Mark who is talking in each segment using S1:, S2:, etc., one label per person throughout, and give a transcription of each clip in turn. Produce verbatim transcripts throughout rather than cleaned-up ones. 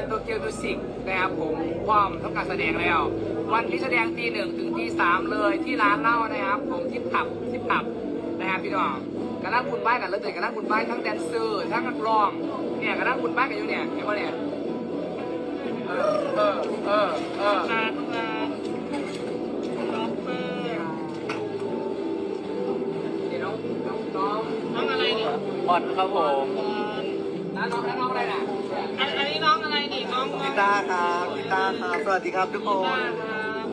S1: โตเกียวมิวสิกนะครับผมพร้อมทำการแสดงแล้ว วันที่แสดงตีหนึ่งถึงตีสามเลยที่ร้านเหล้านะครับผมที่ผับที่ผับนะครับพี่น้องกระนั่งคุณบ้านกันเลยกระนั่งคุณบ้านทั้งแดนเซอร์ทั้งนักร้องเนี่ยกระนั่งคุณบ้านกันอยู่เนี่ยเห็นป่ะเนี่ยเออเออเออเออ
S2: ร้านร้านด็อกเตอร์
S1: เดี๋ยวน้องน้องน้อง
S2: น้องอะไรเนี่ย
S1: บอลครับผม
S2: บอล
S1: น้องน้องน้องอะไรน่ะ
S2: อันอันนี้น้องอะไรนี่น้องน้อง
S3: กีตาร์ครับกีตาร์ครับสวัสดีครับทุกค
S2: กีตาน ร์ครับ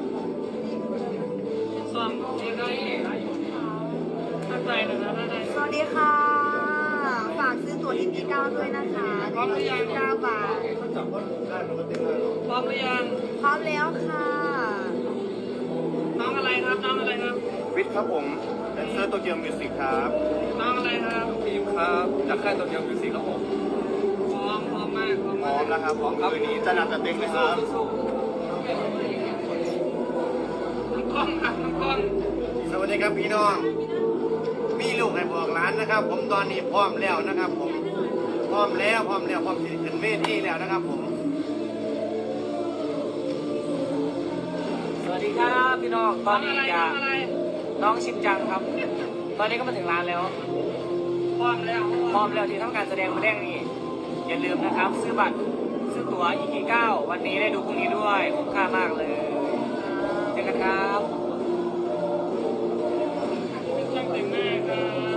S2: ส่วน
S1: เดี๋ยวนี้
S2: ถ้าใครนะครับถ้าใคร
S4: สวัสดีค่ะ ฝากซื้อตั๋ว อี พี เก้าด้วยนะคะหนึ่งร้อยยี่สิบเก้าบาท
S2: พร้อมหรือยัง
S4: พร้อมแล้วค่ะ
S2: น้องอะไรครับน้องอะไรครับ
S3: วิทย์ครับผมแดนเซอร์โตเกียวมิวสิกครับ
S2: น้องอะไรครับ
S3: ทีมครับจากค่ายโตเกียวมิวสิกครับผม
S2: พร้อมพร้อมมากพร้อม
S3: พร้
S2: มา
S3: อก มแล้วครับพร้อมคืนนี้จะหนักจะเต็งเลยครับ
S2: น้องกล้องครับน้องกล้อง
S3: สวัสดีครับพี่น้องมีลูกให้บอกร้านนะครับ ผมตอนนี้พร้อมแล้วนะครับ ผมพร้อมแล้วพร้อมแล้วพร้อมที่จะขึ้นเวทีแล้วนะครับผม
S1: สวัสดีครับพี่น้องต
S2: น้
S1: อ
S2: อน ง
S1: นี้
S2: อะไร
S1: จะ
S2: น้องอะไร
S1: น้องชิมจังครับ ตอนนี้ก็มาถึงร้านแล้ว
S2: พร้อมแล้ว
S1: พร้อมแล้วที่ทำการแสดงมาแรกนี่อย่าลืมนะครับ ซื้อบัตรซื้อตั๋ว อี พี เก้าวันนี้ได้ดูพรุ่งนี้ด้วยคุ้มค่ามากเลยเจอกันครับ
S2: ช่างแต่งหน้าครับ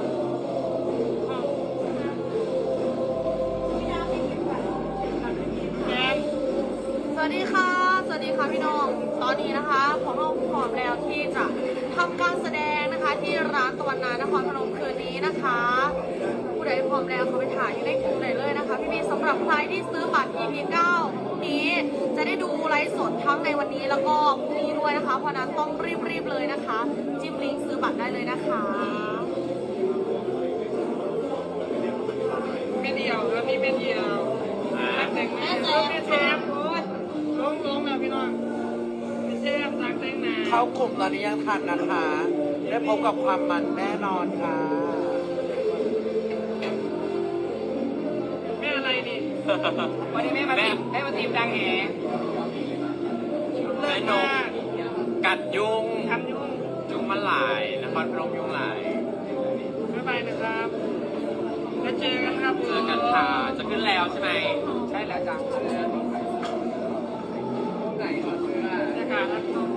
S2: แกม
S4: สวัสดีค่ะ สวัสดีค่ะพี่น้อง ตอนนี้นะคะของเราพร้อมแล้วที่จะทำการแสดงนะคะ ที่ร้านตะวันนานครพนมคืนนี้นะคะ ผู้ใดพร้อมแล้วเขาไปถ่ายอยู่ในกลุ่มไหนเลยนะคะ พี่มีสำหรับใครที่ซื้อบัตร อี พี เก้าพรุ่งนี้จะได้ดูไลฟ์สดทั้งในวันนี้แล้วก็พรุ่งนี้ด้วยนะคะ เพราะนั้นต้องรีบๆเลยนะคะ จิ้มลิงก์ซื้อบัตรได้เลยนะคะ
S2: ไม่เดียวครับนี่ไม่เดียวช่างแต่งหน้าไม่แซมโอ้ยลงลงแล้วพี่น้องไม่แซมช่างแต่งหน้า
S5: เข้ากลุ่มตอนนี้ยังทันนะคะ ได้พบกับความมันแน่นอนค่ะ
S2: แม่อะไรนี่
S1: วันนี้แม่มาตีมแม่มาตีมดังแห
S2: เลิศมาก
S1: กัดยุง
S2: ทำยุ่ง
S1: ยุงมันหลายนครพนมยุงหลาย
S2: บ๊ายบายนะครับแล้วเจอกันครับ
S1: เจอกันค่ะจะขึ้นแล้วใช่ไหมใช่แล้วจ้ะไหนขอเสื้อ
S2: บรรยากาศครับ